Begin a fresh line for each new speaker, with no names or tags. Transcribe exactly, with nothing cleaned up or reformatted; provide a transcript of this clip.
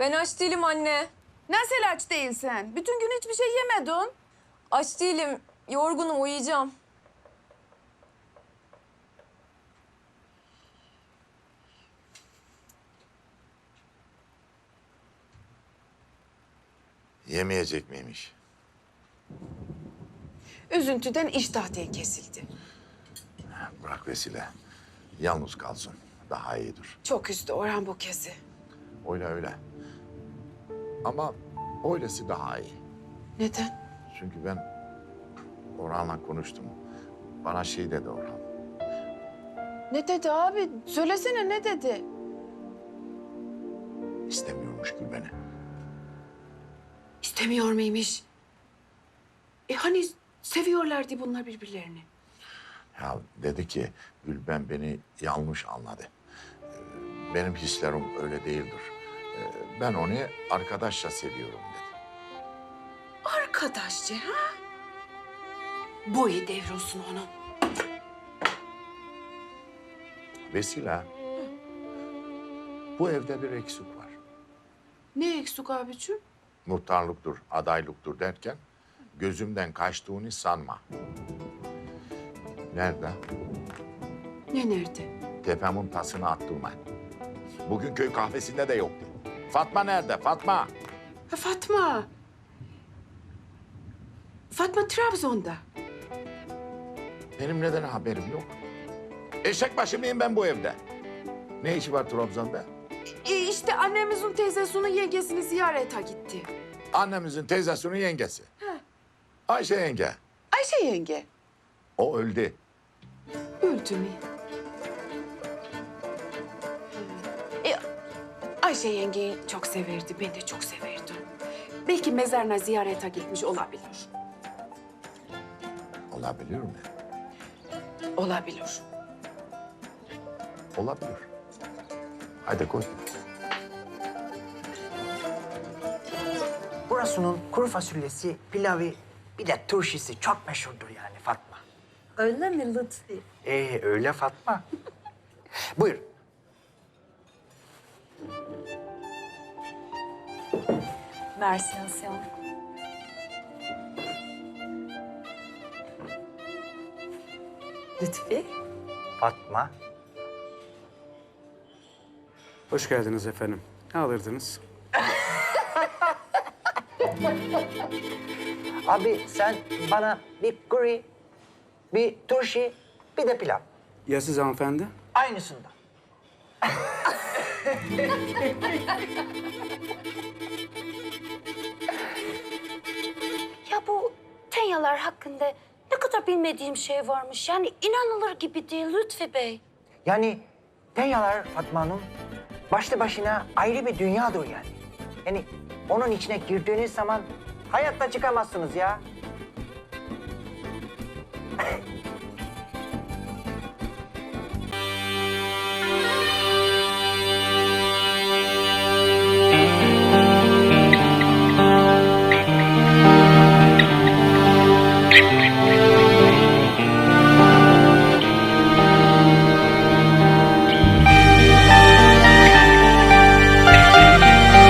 Ben aç değilim anne.
Nasıl aç değilsen? Bütün gün hiçbir şey yemedin.
Aç değilim. Yorgunum, uyuyacağım.
Yemeyecek miymiş?
Üzüntüden iştah diye kesildi.
Bırak Vesile. Yalnız kalsın. Daha iyidir.
Çok üzdü Orhan bu kezi.
Öyle öyle. Ama öylesi daha iyi.
Neden?
Çünkü ben Orhan'la konuştum. Bana şey dedi Orhan.
Ne dedi abi? Söylesene ne dedi?
İstemiyormuş Gül beni.
İstemiyor muymuş? E hani seviyorlardı bunlar birbirlerini.
Ya dedi ki Gülben beni yanlış anladı. Ee, Benim hislerim öyle değildir. Ee, Ben onu arkadaşça seviyorum dedi.
Arkadaşça ha? Boyu devrolsun onun.
Vesile, bu evde bir eksik var.
Ne eksik abicim?
Muhtarlıktır, adaylıktır derken gözümden kaçtığını sanma. Nerede?
Ne nerede?
Tepemin tasını attırma. Bugün köy kahvesinde de yoktu. Fatma nerede? Fatma.
Ha Fatma. Fatma Trabzon'da.
Benim neden haberim yok? Eşek başı mıyım ben bu evde? Ne işi var Trabzon'da?
E işte annemizin teyzesinin yengesini ziyarete gitti.
Annemizin teyzesinin yengesi. Ayşe yenge.
Ayşe yenge.
O öldü.
Öldü mü? E, Ayşe yengeyi çok severdi, ben de çok severdim. Belki mezarına ziyarete gitmiş olabilir.
Olabilir mi?
Olabilir.
Olabilir. Hadi koy.
Burasının kuru fasulyesi, pilavı, bir de turşisi çok meşhurdur yani Fatma.
Öyle mi Lütfi?
Ee öyle Fatma. Buyur.
Merci Asyan. Lütfi?
Fatma.
Hoş geldiniz efendim. Ne alırdınız?
Abi sen bana bir kuru, bir turşi, bir de pilav.
Ya siz hanımefendi?
Aynısından.
Ya bu Tenyalar hakkında ne kadar bilmediğim şey varmış. Yani inanılır gibi değil Lütfi Bey.
Yani Tenyalar Fatma Hanım başlı başına ayrı bir dünyadır yani. Yani onun içine girdiğiniz zaman hayatta çıkamazsınız ya.